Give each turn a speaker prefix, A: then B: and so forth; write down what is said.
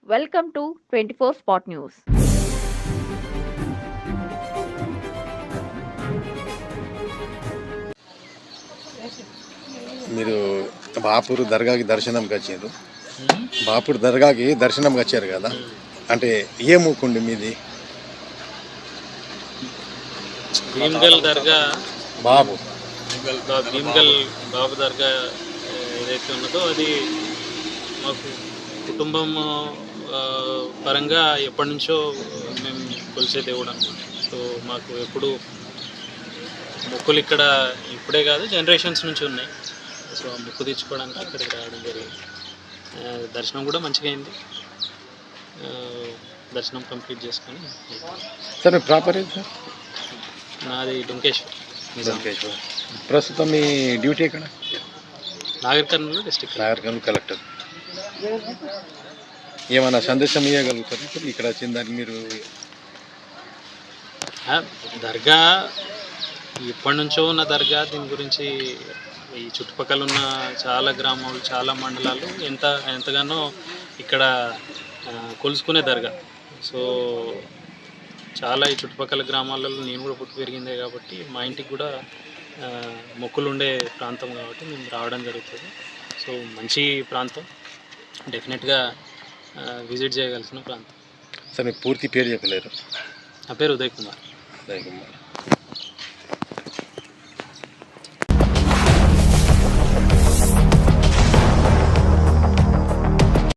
A: Welcome to 24 Spot News.
B: మీరు బాపూర్ దర్గాకి దర్శనంకి వచ్చారు. బాపూర్ దర్గాకి దర్శనంకి వచ్చారు కదా, అంటే ఏ మూకుండి మీది?
C: భీమ్గల్ దర్గా
B: బాబు
C: భీమ్గల్ బాబు దర్గా ఏదైతే ఉన్నదో అది మాకు కుటుంబం పరంగా ఎప్పటి నుంచో మేము కొలిసే దేవుడు అనమాట. సో మాకు ఎప్పుడు మొక్కులు ఇక్కడ ఇప్పుడే కాదు, జనరేషన్స్ నుంచి ఉన్నాయి. సో ఆ మొక్కు తీర్చుకోవడానికి ఇక్కడికి రావడం జరిగింది. దర్శనం కూడా మంచిగా అయింది. దర్శనం కంప్లీట్ చేసుకొని
B: సరే, ప్రాపర్ ఏంటి సార్?
C: నాది డుంకేశ్వర్.
B: ప్రస్తుతం మీ డ్యూటీ ఎక్కడ?
C: నాగర్ కర్నూలు డిస్ట్రిక్ట్.
B: నాగర్ కర్నూలు కలెక్టర్. ఏమైనా సందేశం ఇవ్వగలుగుతారు సార్ ఇక్కడ వచ్చిన దానికి మీరు?
C: దర్గా ఎప్పటి నుంచో ఉన్న దర్గా, దీని గురించి ఈ చుట్టుపక్కల ఉన్న చాలా గ్రామాలు, చాలా మండలాలు ఎంతగానో ఇక్కడ కొలుసుకునే దర్గా. సో చాలా ఈ చుట్టుపక్కల గ్రామాలలో నేను కూడా పుట్టి పెరిగిందే కాబట్టి మా ఇంటికి కూడా మొక్కులు ఉండే ప్రాంతం కాబట్టి మేము రావడం జరుగుతుంది. సో మంచి ప్రాంతం, డెఫినెట్గా విజిట్ చేయగలిసిన ప్రాంతం.
B: సార్ మీ పూర్తి పేరు చెప్పలేరు?
C: నా పేరు ఉదయ్ కుమార్.
B: ఉదయ్ కుమార్.